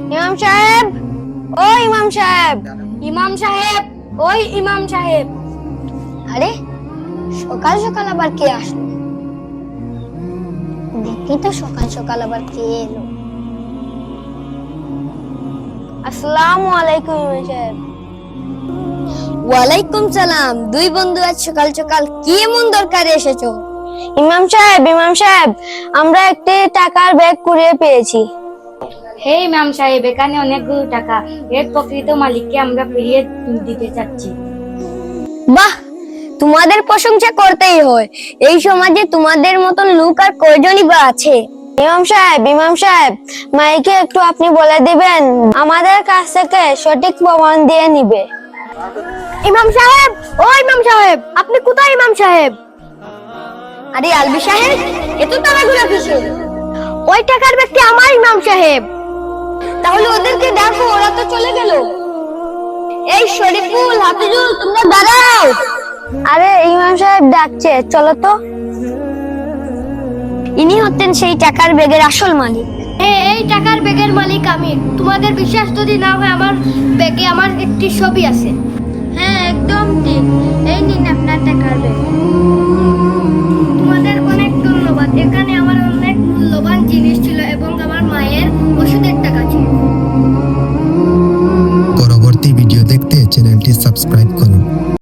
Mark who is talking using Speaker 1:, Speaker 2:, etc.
Speaker 1: ইমাম সাহেব, ও ইমাম সাহেব, ইমাম সাহেব, ওই ইমাম সাহেব। আরে সকাল সকাল আবার কে আসলো? দেখি তো সকাল সকাল আবার কে এলো। আসসালামু আলাইকুম ইমাম সাহেব। ওয়ালাইকুম সালাম। দুই বন্ধু আজ সকাল সকাল কি এমন দরকারে এসেছো? ইমাম সাহেব, ইমাম সাহেব, আমরা একটি টাকার ব্যাগ কুড়িয়ে পেয়েছি।
Speaker 2: হে ইমাম সাহেব, এখানে অনেকগুলো টাকা, এর প্রকৃত মালিককে আমরা ফিরিয়ে দিতে চাচ্ছি।
Speaker 1: বাহ, তোমাদের প্রশংসা করতেই হয়। এই সমাজে তোমাদের মতন লোক আর কয়জনই বা আছে? ইমাম সাহেব, ইমাম সাহেব, মাইকে একটু আপনি বলে দিবেন, আমাদের কাছ থেকে সঠিক প্রমাণ দিয়ে নিবে। ইমাম সাহেব, ও ইমাম সাহেব, আপনি কোথায় ইমাম সাহেব? আরে আলবি সাহেব, এত তাড়াহুড়া কিসের? ওই টাকার ব্যক্তি আমার ইমাম সাহেব। তাহলে ওদেরকে ডাকো, ওরা তো চলে গেল। এই শরীফুল, হাফিজুল, তোমরা দাঁড়াও। আরে ইমাম সাহেব ডাকছে, চলো তো। ইনি হচ্ছেন সেই টাকার ব্যাগের আসল মালিক।
Speaker 3: এই টাকার ব্যাগের মালিক আমি। তোমাদের বিশ্বাস যদি না হয়, আমার ব্যাগে আমার একটি ছবি আছে। হ্যাঁ, একদম ঠিক। এই নিন আপনার টাকার ব্যাগ। তোমাদের অনেক ধন্যবাদ। এখানে আমার অনেক মূল্যবান জিনিস ছিল এবং আমার মায়ের ওষুধের টাকা ছিল।
Speaker 4: পরবর্তী ভিডিও দেখতে চ্যানেলটি সাবস্ক্রাইব